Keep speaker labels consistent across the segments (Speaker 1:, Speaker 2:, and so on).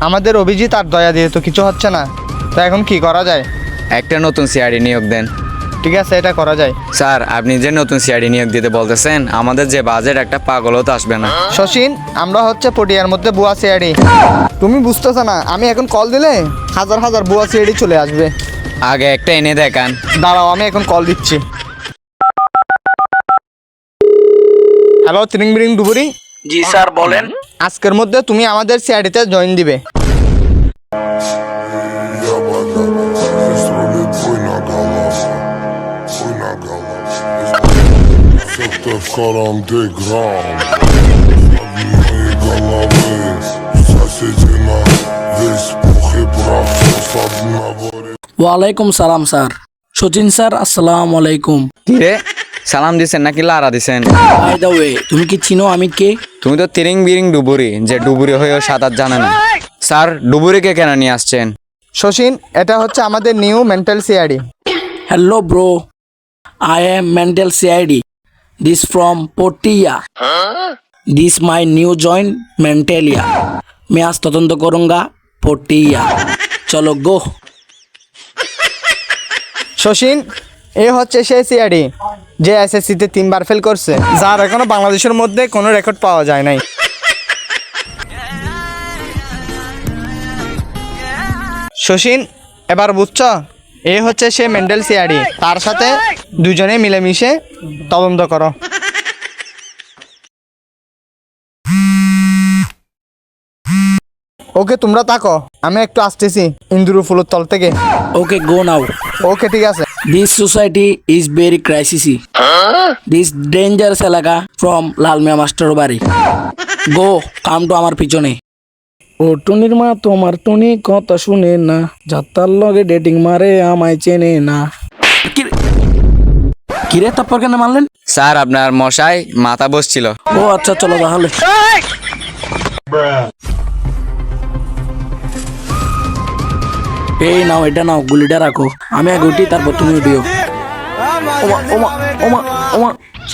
Speaker 1: আমাদের অভিজিৎ আর দয়া দিয়ে তো কিছু হচ্ছে না, তো এখন কি করা যায়?
Speaker 2: একটা নতুন সিআইডি নিয়োগ দেন।
Speaker 1: ঠিক আছে, এটা করা যায়।
Speaker 2: স্যার, আপনি যে নতুন সিআইডি নিয়োগ দিতে বলতেছেন, আমাদের যে বাজেট একটা পাগলও তো আসবে না।
Speaker 1: শশীন, আমরা হচ্ছে পটিয়ার মধ্যে বুয়া সিআইডি। তুমি বুঝতেছ না, আমি এখন কল দিলে হাজার হাজার বুয়া সিআইডি চলে আসবে।
Speaker 2: আগে একটা এনে দেখান।
Speaker 1: দাঁড়াও, আমি এখন কল দিচ্ছি। হ্যালো, তিরিং বিরিং ডুবুরি।
Speaker 3: জি স্যার, বলেন।
Speaker 1: আজকের মধ্যে তুমি আমাদের সিআইডিতে জয়েন দিবে।
Speaker 3: ওয়ালাইকুম সালাম স্যার। সচিন স্যার, আসসালামু আলাইকুম।
Speaker 2: কি রে, সালাম দিছেন নাকি লারা দিছেন?
Speaker 3: বাই দ্য ওয়ে, তুমি কি চিনো আমি কে?
Speaker 2: তুমি তো তিরিং বিরিং ডুবুরি, যে ডুবুরি হয়েও সাঁতার জানে না। স্যার, ডুবুরিকে কেন নিয়ে আসছেন?
Speaker 1: শশীন, এটা হচ্ছে আমাদের new mental CID.
Speaker 3: Hello bro, I am mental CID. This from Potiya. This my new join मेंटेलिया। मैं आज तदंत करूंगा पोटिया। चलो गो।
Speaker 1: শশীন, এ হচ্ছে সেই সিআইডি যে এসএসসিতে 3বার ফেল করছে, যার এখনো বাংলাদেশের মধ্যে কোনো রেকর্ড পাওয়া যায় নাই। শশীন, এবার বুঝছ, এ হচ্ছে সে মেন্টাল সিআইডি। তার সাথে দুজনে মিলেমিশে তদন্ত করো। ওকে, তোমরা থাকো, আমি একটু আসতেছি ইন্দুরু ফুলের তল থেকে।
Speaker 3: Okay go now.
Speaker 1: ওকে, ঠিক আছে।
Speaker 3: This society is very crisisy. This dangerous এলাকা from লালমিয়া মাস্টার বাড়ি। গো, কাম টু আমার পিছনে। ও টুনির মা তোমার টুনি কথা শুনে না, যাত্রার লগে ডেটিং মারে আমায় চেনে না। কিরে তারপর কেন মারলেন?
Speaker 2: স্যার, আপনার মশাই মাথা বসছিল।
Speaker 3: ও আচ্ছা, চলো তাহলে। এই নাও, এটা নাও, গুলিটা রাখো। আমি আগে উঠি, তারপর তুমি উঠিও। ওমা ওমা ওমা ওমা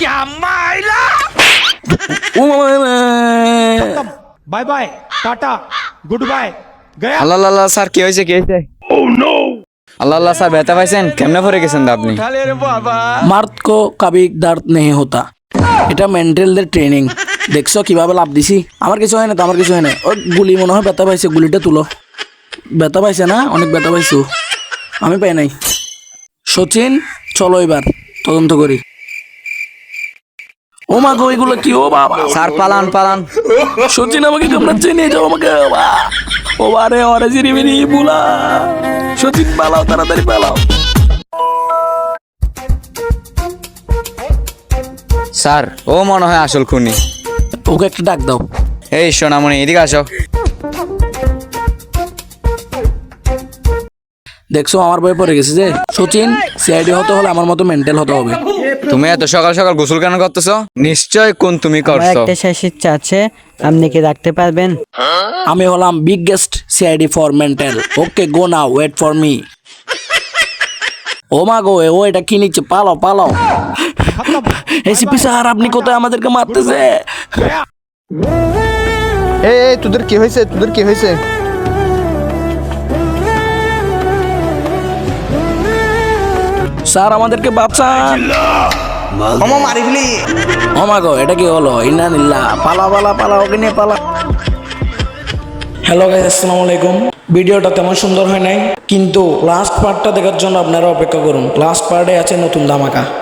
Speaker 3: ওমা।
Speaker 4: Bye bye tata good bye गया।
Speaker 2: আল্লাহ আল্লাহ, স্যার কি হয়েছে, কি হয়েছে? আল্লাহ আল্লাহ, স্যার ব্যথা পাইছেন? কেমনে পড়ে গেছেন তো আপনি?
Speaker 3: মার্দ কো কবি দর্দ নেই হতা। এটা মেন্টালদের ট্রেনিং। দেখছো কিভাবে লাভ দিছি? আমার কিছু হয় না তো, আমার কিছু হয় না। ও গুলি মনে হয় ব্যথা পাইছে, গুলিটা তুলো। ব্যথা পাইছে না? অনেক ব্যথা পাইছো। আমি পাই নাই। সচিন, চলো এবার তদন্ত করি। ও মা গো, এগুলো কি? ও বাবা,
Speaker 2: স্যার পালান পালান।
Speaker 3: সচিন আমাকে কামড়াচ্ছে, নিয়ে যাও আমাকে। ও বারে ওরে জিরিমিরি বুলা। সচিন পালাও, তাড়াতাড়ি পালাও।
Speaker 2: স্যার, ও মনে হয় আসল খুনি।
Speaker 3: ওকে একটা ডাক দাও।
Speaker 2: এই সোনামণি, এদিকে আসো।
Speaker 3: দেখছো আমার বই পড়ে গেছে যে। সচিন, সিআইডি হতে হলে আমার মতো মেন্টাল হতে হবে।
Speaker 2: তুমি এত সকাল সকাল গোসল কেন করতেছো? নিশ্চয় কোন তুমি
Speaker 5: আমার
Speaker 2: করছো।
Speaker 5: একটা শেষ ইচ্ছা আছে, আপনি কি রাখতে পারবেন?
Speaker 3: আমি হলাম biggest CID for mental. Okay go now, wait for me. ও মা গো, ও এটা কি নিচ্ছে? পালাও পালাও। এসিপি স্যার, আপনি কোথায়? আমাদেরকে মারতেছে।
Speaker 1: এই তোদের কি হয়েছে? তোদের কি হয়েছে?
Speaker 3: স্যার, আমাদেরকে বাঁচান।
Speaker 1: মামা মারি ফেলি।
Speaker 3: ও মা গো, এটা কি হলো? ইন্না নিল্লা, পালা পালা পালা, ওকে নিয়ে পালা। হ্যালো গাইস, আসসালামু আলাইকুম। ভিডিওটা তেমন সুন্দর হয় নাই, কিন্তু লাস্ট পার্টটা দেখার জন্য আপনারা অপেক্ষা করুন। লাস্ট পার্টে আছে নতুন ধামাকা।